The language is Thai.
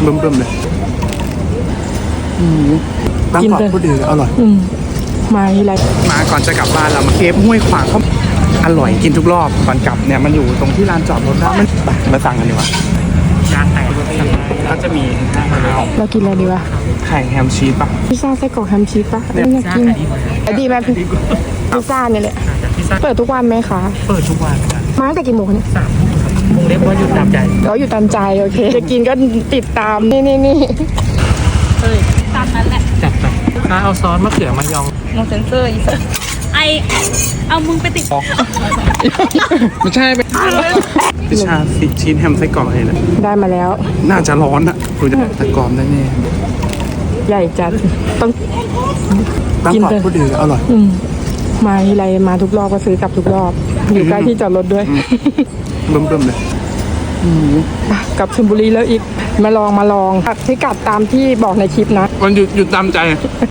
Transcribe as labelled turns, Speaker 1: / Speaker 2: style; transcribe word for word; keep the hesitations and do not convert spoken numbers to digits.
Speaker 1: เบิ่มๆเลยตั้งกรอบก็ดีอร่อย
Speaker 2: มาทีไร
Speaker 1: มาก่อนจะกลับบ้านเรามาเคฟห้วยขวางเขาอร่อยกินทุกรอบก่อนกลับเนี่ยมันอยู่ตรงที่ลานจอดรถนะมันมาสั่งกันดีกว่าจานแตกก็จะมี
Speaker 2: เรากินอะไรดีวะ
Speaker 1: ไข่แฮมชีสป่ะ
Speaker 2: พิซซ่าไส้กรอกแฮมชีสป่ะไม่อยากกินดีไหมพิซซ่าเนี่ยแหละเปิดทุกวันไหมคะ
Speaker 1: เปิดทุกวัน
Speaker 2: มาตั้งแต่กี่โมงเนี่ย
Speaker 1: สามโมงเล็กว่าอยู่ตามใจ
Speaker 2: เราอยู่ตามใจโอเคจะกินก็ติดตามนี่นี่นี่
Speaker 3: เฮ้ยตามนั้นแหละ
Speaker 1: จัดไปถ้าเอาซอสมะเขือมายอง
Speaker 3: ลงเซนเซอร์อีกไอเอามึงไปติด
Speaker 1: ไม่ใช่ไปพิชชาสิชิ้นแฮมไส้กรอกเลยนะ
Speaker 2: ได้มาแล้ว
Speaker 1: น่าจะร้อนอะดูจะแต่กรอบได้แน่
Speaker 2: ใหญ่จัดต้อง
Speaker 1: ตั้งกรอบก็ดีอร่อย
Speaker 2: มาทีไรมาทุกรอบก็ซื้อกลับทุกรอบอยู่ใกล้ที่จอดรถด้วย
Speaker 1: เบิ่มๆเลย
Speaker 2: กลับชลบุรีแล้วอีกมาลองมาลองพิกัดตามที่บอกในคลิปนะ
Speaker 1: มันหยุดหยุดตามใจ